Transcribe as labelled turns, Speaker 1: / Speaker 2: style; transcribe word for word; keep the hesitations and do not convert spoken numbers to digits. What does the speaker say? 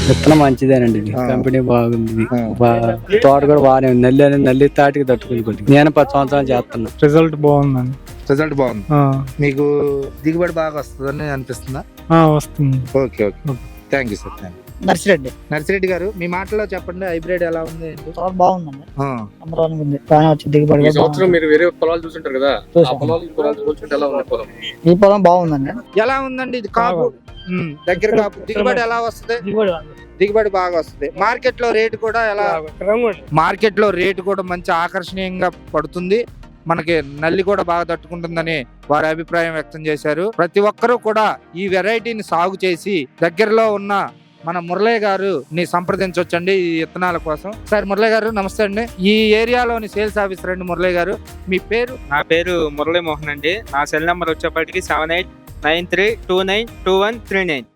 Speaker 1: విత్తనం మంచిదేనండి, ఇది కంపెనీ బాగుంది, ఇది బా- తోట కూడా బాగానే ఉంది. నల్లి అనేది నల్లి తాటికి తట్టుకుంది కొద్దిగా. నేను పది సంవత్సరాలు చేస్తున్నా.
Speaker 2: రిజల్ట్ బాగుందండి.
Speaker 3: రిజల్ట్ బాగుంది.
Speaker 2: ఆ,
Speaker 3: మీకు దిగుబడి బాగా వస్తుందని అనిపిస్తుందా?
Speaker 2: ఆ, వస్తుంది.
Speaker 3: Okay okay thank you sir. Thank you.
Speaker 4: Narsireddy
Speaker 3: Narsireddy garu, మీ మాటలో చెప్పండి, హైబ్రిడ్ ఎలా ఉంది ఏంటి?
Speaker 4: చాలా బాగుందండి,
Speaker 3: ఆ,
Speaker 4: నెంబర్ వన్ ఉంది. బాగానే వచ్చింది దిగుబడి
Speaker 5: ఈ
Speaker 4: కూడా
Speaker 5: సంవత్సరం
Speaker 4: బాగుంది.
Speaker 5: మీరు వేరే పొలాలు చూస్తుంటారు కదా, ఆ
Speaker 4: చూసాం.
Speaker 5: పొలాలు ఈ పొలాలు చూసుకుంటే ఎలా ఉంది పొలం?
Speaker 4: ఈ పొలం బాగుందండి,
Speaker 3: ఎలా ఉందండి ఇది కాపు? ఉమ్, దగ్గర కాపు దిగుబడి ఎలా వస్తుంది?
Speaker 4: దిగుబడి బాగుంది.
Speaker 3: దిగుబడి బాగా వస్తుంది. మార్కెట్ లో రేటు కూడా ఎలా? మార్కెట్ లో రేటు కూడా మంచి ఆకర్షణీయంగా పడుతుంది. మనకి నల్లి కూడా బాగా తట్టుకుంటుందని వారి అభిప్రాయం వ్యక్తం చేశారు. ప్రతి ఒక్కరూ కూడా ఈ వెరైటీని సాగు చేసి దగ్గరలో ఉన్న మన మురళయ్య గారు ని సంప్రదించవచ్చండి ఈ విత్తనాల కోసం. సార్ మురళయ్య గారు నమస్తే అండి. ఈ ఏరియాలోని సేల్స్ ఆఫీసర్ అండి మురళయ్య గారు. మీ పేరు?
Speaker 6: నా పేరు మురళీ మోహన్ అండి. నా సెల్ నెంబర్ వచ్చేప్పటికి seven eight nine three two nine two one three nine.